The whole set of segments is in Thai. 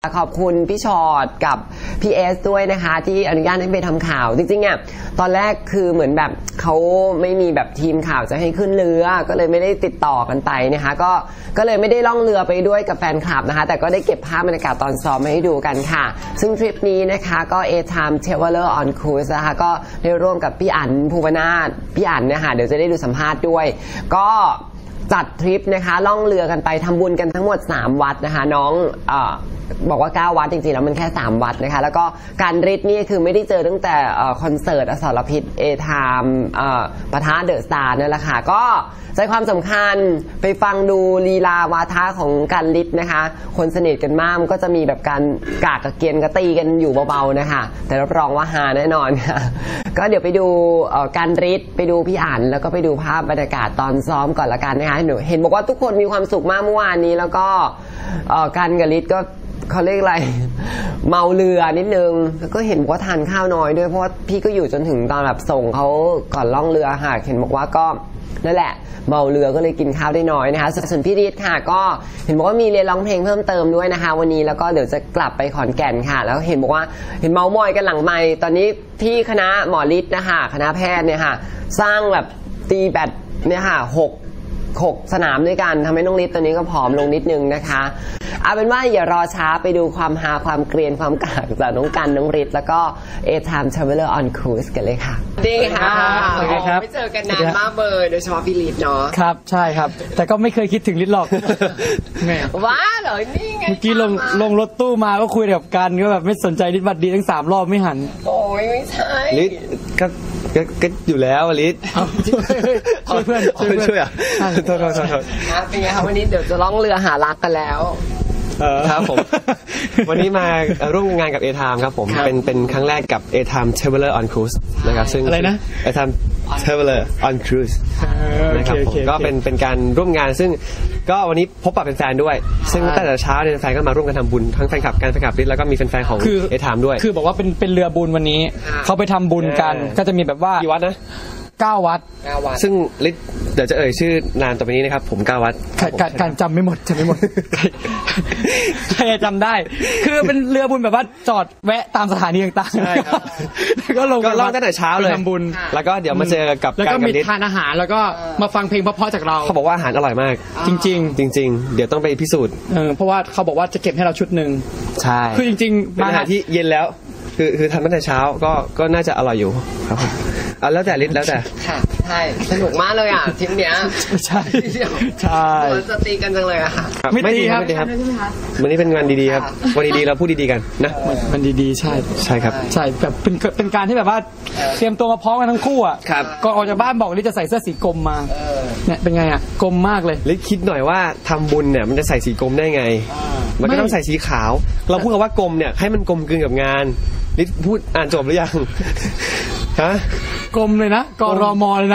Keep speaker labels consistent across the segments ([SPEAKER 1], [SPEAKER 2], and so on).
[SPEAKER 1] ขอบคุณพี่ชอตกับพี่เอสด้วยนะคะที่อนุญาตให้ไปทำข่าวจริงๆอ่ะตอนแรกคือเหมือนแบบเขาไม่มีแบบทีมข่าวจะให้ขึ้นเรือก็เลยไม่ได้ติดต่อกันไปนะคะก็เลยไม่ได้ล่องเรือไปด้วยกับแฟนคลับนะคะแต่ก็ได้เก็บภาพบรรยากาศตอนซ้อมมาให้ดูกันค่ะซึ่งทริปนี้นะคะก็ A-Time Traveler on Cruise นะคะก็ได้ร่วมกับพี่อั๋นภูวนาถพี่อั๋นนะคะเดี๋ยวจะได้ดูสัมภาษณ์ด้วยก็จัดทริปนะคะล่องเรือกันไปทำบุญกันทั้งหมด3วัดนะคะน้องบอกว่า9วัดจริงๆแล้วมันแค่3วัดนะคะแล้วก็การริดนี่คือไม่ได้เจอตั้งแต่คอนเสิร์ตอสรพิษ A-Time ปะทะเดอะสตาร์นั่นแหละค่ะก็ใจความสำคัญไปฟังดูลีลาวาทะของการริดนะคะคนสนิทกันมากมันก็จะมีแบบการกากกับเกียนกระตีกันอยู่เบาๆนะคะแต่รับรองว่าฮาแน่นอนค่ะก็เดี๋ยวไปดูการริดไปดูพี่อั๋นแล้วก็ไปดูภาพบรรยากาศตอนซ้อมก่อนละกันนะคะหนูเห็นบอกว่าทุกคนมีความสุขมากเมื่อวานนี้แล้วก็การกับริดก็เขาเรียกอะไรเมาเรือนิดนึงแล้วก็เห็นว่าทานข้าวน้อยด้วยเพราะว่าพี่ก็อยู่จนถึงตอนแบบส่งเขาก่อนล่องเรือค่ะเห็นบอกว่าก็นั่นแหละเมาเรือก็เลยกินข้าวได้น้อยนะคะส่วนพี่ฤทธิ์ค่ะก็เห็นบอกว่ามีเรียนร้องเพลงเพิ่มเติมด้วยนะคะวันนี้แล้วก็เดี๋ยวจะกลับไปขอนแก่นค่ะแล้วเห็นบอกว่าเห็นเมามอยกันหลังไมค์ตอนนี้ที่คณะหมอฤทธิ์นะคะคณะแพทย์เนี่ยค่ะสร้างแบบตีแบดเนี่ยค่ะ6สนามด้วยกันทำให้น้องฤทธิ์ตอนนี้ก็ผอมลงนิดนึงนะคะเอาเป็นว่าอย่ารอช้าไปดูความฮาความเกรียนความกากจากน้องกันน้องฤทธิ์แล้วก็ A-Time Traveler on Cruise กันเลยค่ะดีค่ะไม่เจอกันนานมากเลยโดยเฉพาะพี่ฤทธิ์เนาะ
[SPEAKER 2] ครับใช่ครับแต่ก็ไม่เคยคิดถึงฤทธิ์หรอกแม่
[SPEAKER 1] ว้าเหรอนี่ไง
[SPEAKER 2] เมื่อกี้ลงรถตู้มาก็คุยกับกันก็แบบไม่สนใจฤทธิ์บัดดีทั้ง3รอบไม่หัน
[SPEAKER 1] โอ้ยไม่ใช่
[SPEAKER 3] ฤทธิ์ก็อยู่แล้วฤทธิ์
[SPEAKER 2] ช่วยเพื่อน
[SPEAKER 3] อ่ะโทษ
[SPEAKER 1] เป็นไงคะวันนี้เดี๋ยวจะล่องเรือหารักกันแล้ว
[SPEAKER 3] ครับผมวันนี้มาร่วมงานกับ A-Time ครับผมเป็นครั้งแรกกับ A-Time Traveler on Cruise นะครับซึ่ง
[SPEAKER 2] อะไรนะ
[SPEAKER 3] A-Time Traveler on Cruise นะครับผมก็เป็นการร่วมงานซึ่งก็วันนี้พบปะแฟนๆด้วยซึ่งตั้งแต่เช้าเนี่ยแฟนก็มาร่วมกันทำบุญทั้งแฟนคลับการแฟนคลับฤทธิ์แล้วก็มีแฟนๆของ A-Time ด้วย
[SPEAKER 2] คือบอกว่าเป็นเรือบุญวันนี้เขาไปทำบุญกันก็จะมีแบบว่า
[SPEAKER 3] กี่วัดนะ
[SPEAKER 2] 9 วัด
[SPEAKER 3] ซึ่งฤทธิ์เดี๋ยวจะเอ่ยชื่อนามต่อไปนี้นะครับผม9 วัด
[SPEAKER 2] การจำไม่หมดใครจำได้คือเป็นเรือบุญแบบว่าจอดแวะตามสถานีต่างๆ
[SPEAKER 3] ใช่ครับ
[SPEAKER 2] ก็ลง
[SPEAKER 3] ตั้งแต่เช้าเลย
[SPEAKER 2] ทำบุญ
[SPEAKER 3] แล้วก็เดี๋ยวมาเจอกับ
[SPEAKER 2] แล้วก็มีทานอาหารแล้วก็มาฟังเพลงเพราะๆจากเรา
[SPEAKER 3] เขาบอกว่าอาหารอร่อยมาก
[SPEAKER 2] จริง
[SPEAKER 3] เดี๋ยวต้องไปพิสูจน์
[SPEAKER 2] เพราะว่าเขาบอกว่าจะเก็บให้เราชุดนึง
[SPEAKER 3] ใช่
[SPEAKER 2] คือจริงๆ
[SPEAKER 3] เป็นอาหารที่เย็นแล้วคือทำตั้งแต่เช้าก็น่าจะอร่อยอยู่ครับแล้วแต่ฤทธิ์แล้วแต่
[SPEAKER 1] ค่ะใช่สนุกมากเลยอ่ะทีมเนี้ย
[SPEAKER 2] ใช่
[SPEAKER 1] จะตีกันจังเลยอะค่ะ
[SPEAKER 2] ไม่ตีครับ
[SPEAKER 3] วันนี้เป็นวันดีๆครับวันดีๆเราพูดดีๆกันนะ
[SPEAKER 2] มันดีๆใช่
[SPEAKER 3] ครับ
[SPEAKER 2] ใช่แบบเป็นการที่แบบว่าเตรียมตัวมาพร้อมกันทั้งคู่อ่ะก่อนออกจากบ้านบอกฤทธิ์จะใส่เสื้อสีกรมมาเนี่ยเป็นไงอ่ะกรมมากเลย
[SPEAKER 3] ฤทธิ์คิดหน่อยว่าทำบุญเนี่ยมันจะใส่สีกรมได้ไงมันก็ต้องใส่สีขาวเราพูดกันว่ากรมเนี่ยให้มันกลมกลืนกับงานฤทธิ์พูดอ่านจบหรือยังฮะ
[SPEAKER 2] กรมเลยนะกรมเลย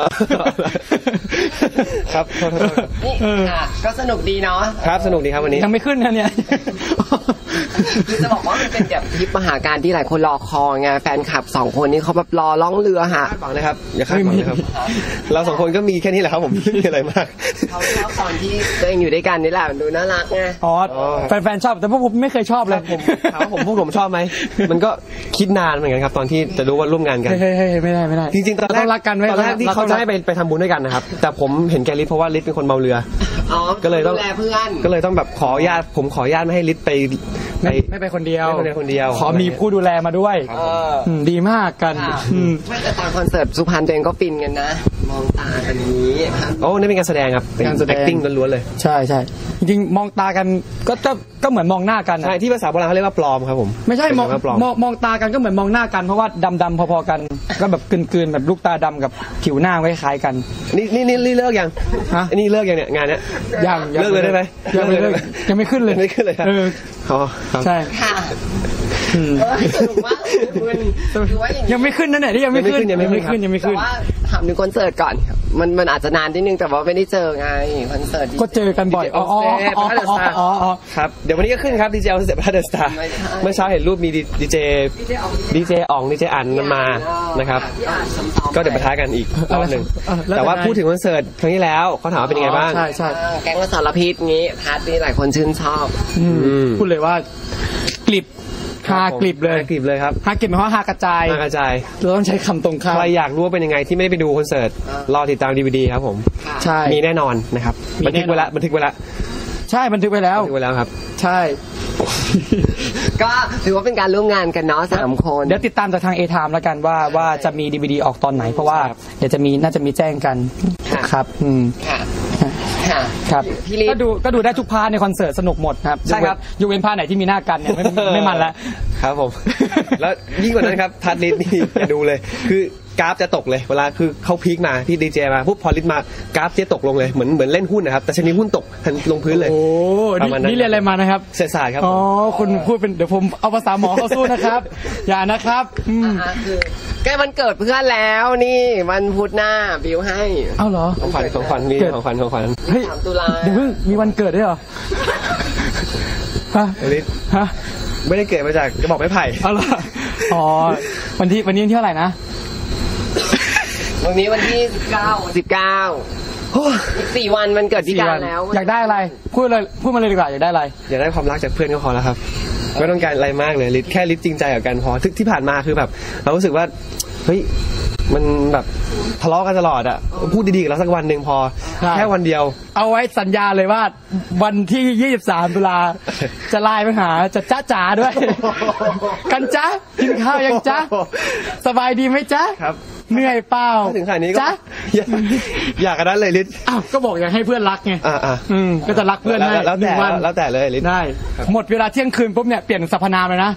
[SPEAKER 3] นะครับ
[SPEAKER 1] ก็สนุกดีเนาะ
[SPEAKER 3] ครับสนุกดีครับวันนี้
[SPEAKER 2] ยังไม่ขึ้นนะเนี่ย
[SPEAKER 1] คือจะบอกว่ามันเป็นแบบทริปมหาการที่หลายคนรอคอยไงแฟนคลับ2คนนี้เขาแบบรอล่องเรือหา
[SPEAKER 3] คาดหวังนะครับอย่าคาดหวังนะครับเรา2คนก็มีแค่นี้แหละครับผมไม่มีอะไรมาก
[SPEAKER 1] เขาชอบตอนที่ตัวเองอยู่ด้วยกันนี่แหละดูน่ารักไง
[SPEAKER 2] แฟนๆชอบแต่พวกผมไม่เคยชอบเลย
[SPEAKER 3] ถามว่าผมชอบไหมมันก็คิดนานเหมือนกันครับตอนที่จะรู้ว่าร่วมงานกัน
[SPEAKER 2] ไม่ได้
[SPEAKER 3] จริงๆตอนแรก
[SPEAKER 2] รักกันไว้
[SPEAKER 3] ตอนแรกที่เขาจะให้ไปทำบุญด้วยกันนะครับแต่ผมเห็นแกฤทธิ์เพราะว่าฤทธิ์เป็นคนเมาเรือก็เลยต้องก็เลยต้องแบบขออนุญาตผมขออนุญาตไม่ให้ฤทธิ์
[SPEAKER 2] ไม่ไปคนเดียว
[SPEAKER 3] ข
[SPEAKER 2] อมีผู้ดูแลมาด้วยดีมากกัน
[SPEAKER 1] แต่ตอนคอนเสิร์ตสุพรรณตัวเองก็ฟินกันนะมองตากันนี้
[SPEAKER 3] โอ้นี่เป็นการแสดงครับเป็นการ acting ล้วนๆเลย
[SPEAKER 2] ใช่จริงๆมองตากันก็เหมือนมองหน้ากัน
[SPEAKER 3] ใช่ที่ภาษาโบราณเขาเรียกว่าปลอมครับผม
[SPEAKER 2] ไม่ใช่มองตากันก็เหมือนมองหน้ากันเพราะว่าดำพอๆกันก็แบบกลืนๆแบบลูกตาดำกับผิวหน้าคล้ายกัน
[SPEAKER 3] นี่เลิกยังนี่เลิกยังเนี่ยงานเนี้ย
[SPEAKER 2] ยัง
[SPEAKER 3] เลิกเลยได้ไหม
[SPEAKER 2] ยังไม่ขึ้นเลย
[SPEAKER 3] ครับ
[SPEAKER 2] ใช่
[SPEAKER 1] ค่ะสนุกมาก
[SPEAKER 2] ยังไม่ขึ้นนั่นแหละที่ยังไม่ขึ้น
[SPEAKER 1] แต่ว่าถามถึงคอนเสิร์ตก่อนมันอาจจะนานนิดนึงแต่ว่าไม่ได้เจอไงคอนเสิร์ต
[SPEAKER 2] ก็เจอกันบ่อย
[SPEAKER 3] ครับเดี๋ยววันนี้ก็ขึ้นครับดีเจออฟเซปเดอะสตาร์เมื่อเช้าเห็นรูปมีดีเจอ๋องดีเจอันมานะครับก็เดี๋ยวไปท้ากันอีกรอบนึงแต่ว่าพูดถึงคอนเสิร์ตครั้งที่แล้วเขาถามว่าเป็นยังไงบ้าง
[SPEAKER 2] ใช่
[SPEAKER 1] แก๊งอสรพิษงี้พาร์ทนี้หลายคนชื่นชอบ
[SPEAKER 2] พูดเลยว่ากลิบฮากลิบเลย
[SPEAKER 3] ฮากลิบเลยครับ
[SPEAKER 2] ฮากลิบหมายความว่าฮากระจาย
[SPEAKER 3] ฮากระจาย
[SPEAKER 2] เราต้องใช้คำตรงข้าม
[SPEAKER 3] ใครอยากรู้ว่าเป็นยังไงที่ไม่ได้ไปดูคอนเสิร์ตรอติดตาม DVD ครับผม
[SPEAKER 2] ใช่
[SPEAKER 3] มีแน่นอนนะครับ
[SPEAKER 2] มี
[SPEAKER 3] บันทึกไว้แล้ว
[SPEAKER 2] ใช่บันทึกไว้แล้ว
[SPEAKER 3] ครับ
[SPEAKER 2] ใช่
[SPEAKER 1] ก็ถือว่าเป็นการร่วมงานกันเนาะ3 คน
[SPEAKER 2] เดี๋ยวติดตามจากทาง A-Time แล้วกันว่าจะมี DVD ออกตอนไหนเพราะว่าเดี๋ยวน่าจะมีแจ้งกันครับ
[SPEAKER 1] ค่ะ
[SPEAKER 2] ครับ
[SPEAKER 1] พี่ลิศ
[SPEAKER 2] ก็ดูได้ทุกพาร์ทในคอนเสิร์ตสนุกหมดครับ
[SPEAKER 3] ใช่ครับ
[SPEAKER 2] ยกเว้นพาร์ทไหนที่มีหน้ากันเนี่ยไม่มันแล้ว
[SPEAKER 3] ครับผม แล้วยิ่งกว่านั้นครับทัดลิสนี่อย่าดูเลย คือกราฟจะตกเลยเวลาคือเขาพีคมาที่ดีเจมาปุ๊บพอลิสมากราฟจะตกลงเลยเหมือนเล่นหุ้นนะครับแต่ชนิดหุ้นตกทันลงพื้นเลย
[SPEAKER 2] โอ้นี่เรียนอะไรมานะครับ
[SPEAKER 3] เศรษฐศาสตร์ครับ
[SPEAKER 2] อ๋อคุณพูดเป็นเดี๋ยวผมเอาภาษาหมอเข้าสู้นะครับ อย่านะครับ
[SPEAKER 1] คือใกล้วันเกิดเพื่อนแล้วนี่วันพุธหน้าบิวให้
[SPEAKER 2] เอาเหรอ
[SPEAKER 3] ของขวัญนี่ของขวัญ
[SPEAKER 2] เฮ้ยตุลาเดี๋ยวมีวันเกิดด้วยเหรอฮะ
[SPEAKER 3] ลิศ
[SPEAKER 2] ฮะ
[SPEAKER 3] ไม่ได้เกิดมาจากกระบอกไม้ไผ่
[SPEAKER 2] เอาเหรออ๋อวันที่เท่าไหร่นะ
[SPEAKER 1] วันนี้วันที่19 วันมันเกิดพี่การแล้ว
[SPEAKER 2] อยากได้อะไรพูดมาเลยดีกว่าอยากได้อะไร
[SPEAKER 3] อยากได้ความรักจากเพื่อนก็พอแล้วครับไม่ต้องการอะไรมากเลยลิศแค่ลิศจริงใจกับกันพอที่ผ่านมาคือแบบเรารู้สึกว่าเฮ้ยมันแบบทะเลาะกันตลอดอ่ะพูดดีๆกับเราสักวันหนึ่งพอแค่วันเดียว
[SPEAKER 2] เอาไว้สัญญาเลยว่าวันที่23 ตุลาจะไลน์ไปหาจะจ้าจ๋าด้วยกันจ๊ะกินข้าวยังจ๊ะสบายดีไหมจ๊ะ
[SPEAKER 3] ครับ
[SPEAKER 2] เหนื่อยเปล่า
[SPEAKER 3] ถึงขนาดนี้ก็อยากกันนั้นเลยลิศ
[SPEAKER 2] อ้าวก็บอกอยากให้เพื่อนรักไงก็จะรักเพื่อนให้
[SPEAKER 3] แล้วแต่เลยลิศ
[SPEAKER 2] ได้หมดเวลาเที่ยงคืนปุ๊บเนี่ยเปลี่ยนสรรพนามเลยนะ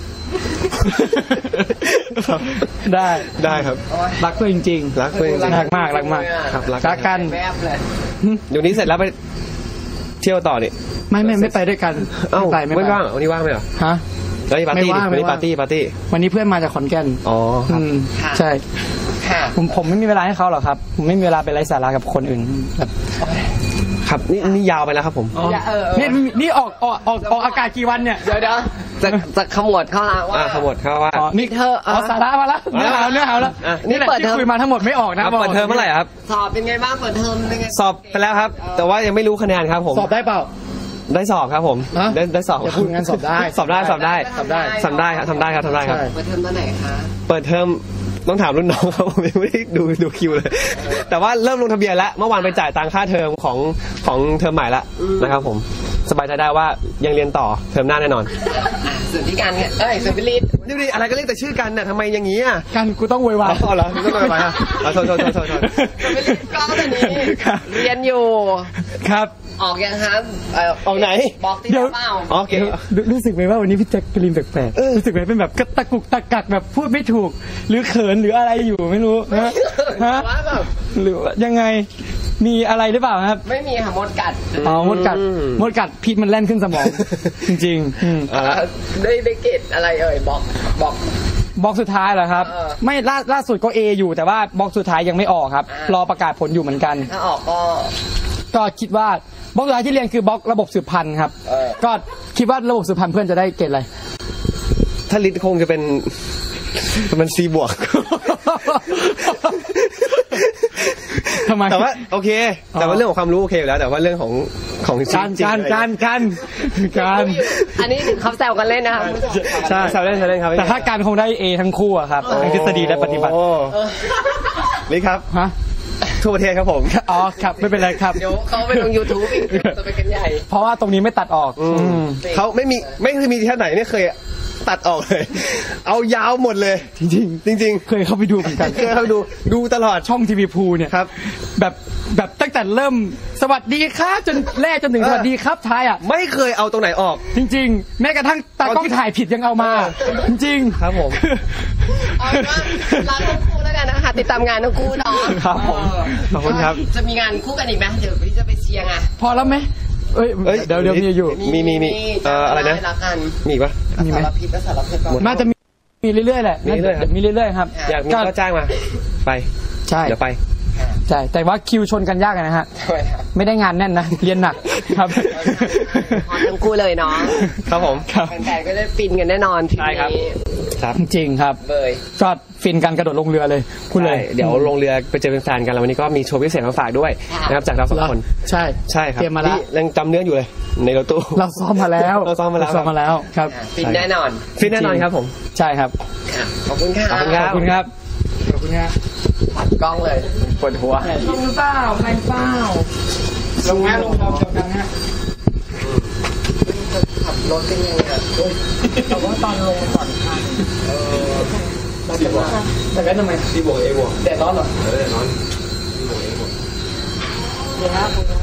[SPEAKER 2] ได้ครับรักเพื่อนจริง
[SPEAKER 3] ๆรักเพื่อนจริง
[SPEAKER 2] ๆรักมาก
[SPEAKER 3] ครับ
[SPEAKER 2] รักกัน
[SPEAKER 3] เดี๋ยวนี้เสร็จแล้วไปเที่ยวต่อนี่
[SPEAKER 2] ไม่ไปด้วยกัน
[SPEAKER 3] ไม่ว่างวันนี้ว่างไหมเหรอ
[SPEAKER 2] ฮะ
[SPEAKER 3] แล้วปาร์ตี้ปาร์ตี้
[SPEAKER 2] วันนี้เพื่อนมาจากขอนแก่น
[SPEAKER 3] อ๋อ
[SPEAKER 2] ใช่ผมไม่มีเวลาให้เขาหรอกครับผมไม่มีเวลาไปไร้สาระกับคนอื่น
[SPEAKER 3] ครับนี่ยาวไปแล้วครับผม
[SPEAKER 2] นี่ออกอากาศกี่วันเนี่ย
[SPEAKER 1] เดี๋ยวจะขมวดเข้าละว่า
[SPEAKER 3] ขมวดเข้าว่า
[SPEAKER 2] นี่เธอเอาสาระมาแล้วเนื้อหาแล้วนี่เปิดเทอมคุยมาทั้งหมดไม่ออกนะ
[SPEAKER 3] เปิดเทอมเมื่อไหร่ครับ
[SPEAKER 1] สอบเป็นไงบ้างเปิดเทอมเป็นไง
[SPEAKER 3] สอบไปแล้วครับแต่ว่ายังไม่รู้คะแนนครับผม
[SPEAKER 2] สอบได้เปล่า
[SPEAKER 3] ได้สอบครับผมได้สอบ
[SPEAKER 2] พูดงั้นสอบได้
[SPEAKER 3] ครับทำได้ครับ
[SPEAKER 1] เปิดเทอมเมื่อไหร่คะ
[SPEAKER 3] เปิดเทอมต้องถามรุ่นน้องเขาไม่ได้ดูคิวเลยแต่ว่าเริ่มลงทะเบียนแล้วเมื่อวานไปจ่ายตังค่าเทอมของเทอมใหม่แล้วนะครับผมสบายใจได้ว่ายังเรียนต่อเทอมหน้าแน่นอน
[SPEAKER 1] ส่วนที่การเนี่ยส่วนพิลิศ
[SPEAKER 3] ดูดิอะไรก็เรียกแต่ชื่อกันน่ะทำไมอย่างงี้อ่ะ
[SPEAKER 2] กันกูต้องโวยวาย
[SPEAKER 3] อ๋อเหรอต้องโวยวายอ่ะโทษ
[SPEAKER 1] พิลิศก็ตอนนี้เรียนอยู่
[SPEAKER 2] ครับ
[SPEAKER 1] ออกยังครับ
[SPEAKER 3] ออกไหน
[SPEAKER 1] บอกที่เปล่า
[SPEAKER 3] โอเค
[SPEAKER 2] รู้สึกไหมว่าวันนี้พี่แจ็คกรีนแปลกๆรู้สึกไหมเป็นแบบกระตะกุกตะกักแบบพูดไม่ถูกหรือเขินหรืออะไรอยู่ไม่รู้ฮะหรือยังไงมีอะไรหรือเปล่าครับ
[SPEAKER 1] ไม่มีค่ะมดกัด
[SPEAKER 2] มดกัดพิษมันแล่นขึ้นสมองจริง
[SPEAKER 1] ๆได้เกรดอะไร
[SPEAKER 2] บอกสุดท้ายเหรอครับไม่ล่าสุดก็ A อยู่แต่ว่าบอกสุดท้ายยังไม่ออกครับรอประกาศผลอยู่เหมือนกัน
[SPEAKER 1] ถ้าออก
[SPEAKER 2] ก็คิดว่าบล็อกสุดท้ายที่เรียนคือบล็อกระบบสืบพันธุ์ครับก็คิดว่าระบบสืบพันธุ์เพื่อนจะได้เกรดอะไร
[SPEAKER 3] ถ้าลิศคงจะเป็นC บวก
[SPEAKER 2] ทำไม
[SPEAKER 3] แต่ว่าโอเคแต่ว่าเรื่องของความรู้โอเคอยู่แล้วแต่ว่าเรื่องของ
[SPEAKER 2] การ
[SPEAKER 1] อันนี้เขาแซวกันเล่นนะครับ
[SPEAKER 3] ใช่แซวเล่นครับ
[SPEAKER 2] แต่ถ้าการคงได้ A ทั้งคู่อะครับทั้งทฤษฎีและปฏิบัติ
[SPEAKER 3] ลิศครับ
[SPEAKER 2] ฮะ
[SPEAKER 3] ทั่วประเทศครับผม
[SPEAKER 2] อ๋อครับไม่เป็นไรครับ
[SPEAKER 1] เดี๋ยวเขาไปลง YouTube อีกจะไปกันใหญ่
[SPEAKER 2] เพราะว่าตรงนี้ไม่ตัดออก
[SPEAKER 3] เขาไม่เคยมีที่ไหนไม่เคยตัดออกเลยเอายาวหมดเลยจริง
[SPEAKER 2] เคยเข้าไปดูเหมือนกัน
[SPEAKER 3] เคยเข้าดูตลอด
[SPEAKER 2] ช่องทีวีพูเนี่ย
[SPEAKER 3] ครับ
[SPEAKER 2] แบบตั้งแต่เริ่มสวัสดีครับจนแรกจนถึงสวัสดีครับท้ายอ่ะ
[SPEAKER 3] ไม่เคยเอาตรงไหนออก
[SPEAKER 2] จริงๆแม้กระทั่งตากล้องถ่ายผิดยังเอามาจริง
[SPEAKER 3] ๆครับผม
[SPEAKER 1] เอาว่ารักทั้งคู่แล้วกันนะคะติดตามงานทั้งคู่เนาะ
[SPEAKER 3] ครับผมขอบคุณครับ
[SPEAKER 1] จะมีงานคู่กันอีกไหมเดี๋ยวพี่จะไปเชียร์ไง
[SPEAKER 2] พอแล้วไหมเดี๋ยวมีอยู่
[SPEAKER 3] มีอะไรนะมีปะ
[SPEAKER 2] มีไหม
[SPEAKER 1] สารพิษ
[SPEAKER 2] น่าจะมีเรื่อยๆแหละมีเรื่อยๆครับ
[SPEAKER 3] อยากมีก็จ้างมาไป
[SPEAKER 2] ใช่
[SPEAKER 3] เดี๋ยวไป
[SPEAKER 2] ใช่แต่ว่าคิวชนกันยากนะฮะไม่ได้งานแน่นนะเรียนหนักครับ
[SPEAKER 1] ทั้งคู่เลยเนาะ
[SPEAKER 3] ครับผม
[SPEAKER 1] แฟนๆก็ได้ฟินกันแน่นอน
[SPEAKER 3] ใช่ครับ
[SPEAKER 2] จริงครับก็ฟินกันกระโดดลงเรือเลยคุณเลย
[SPEAKER 3] เดี๋ยวลงเรือไปเจอเป็นแฟนกันแล้ววันนี้ก็มีโชว์พิเศษมาฝากด้วยนะครับจากเรา2 คน
[SPEAKER 2] ใช่
[SPEAKER 3] ครับนี่ยังจำเนื้ออยู่เลยในรถตู้
[SPEAKER 2] เราซ้อมมาแล้ว
[SPEAKER 3] เราซ้อมมาแล้ว
[SPEAKER 2] ครับ
[SPEAKER 1] ฟินแน่นอน
[SPEAKER 3] ฟิตแน่นอนครับผม
[SPEAKER 2] ใช่ครับ
[SPEAKER 1] ค่ะขอบคุณค่ะ
[SPEAKER 3] ขอบคุณครับ
[SPEAKER 2] ขอบคุณครับขอบคุณครับ
[SPEAKER 1] ปัดกล้องเลยปวดหัว
[SPEAKER 2] ลงหรือเปล่าไม่เปล่าลงฮะลงเราเดียวกันฮะ
[SPEAKER 1] ขับรถเป็นยังไงอ่ะ
[SPEAKER 2] แต่ว่าตอนลงก่อนทางแต่แว่นทำไม
[SPEAKER 3] C บวก A บวก
[SPEAKER 2] แดดร้อนเหรอ
[SPEAKER 3] แน่นอน
[SPEAKER 2] เดี๋ยวนะ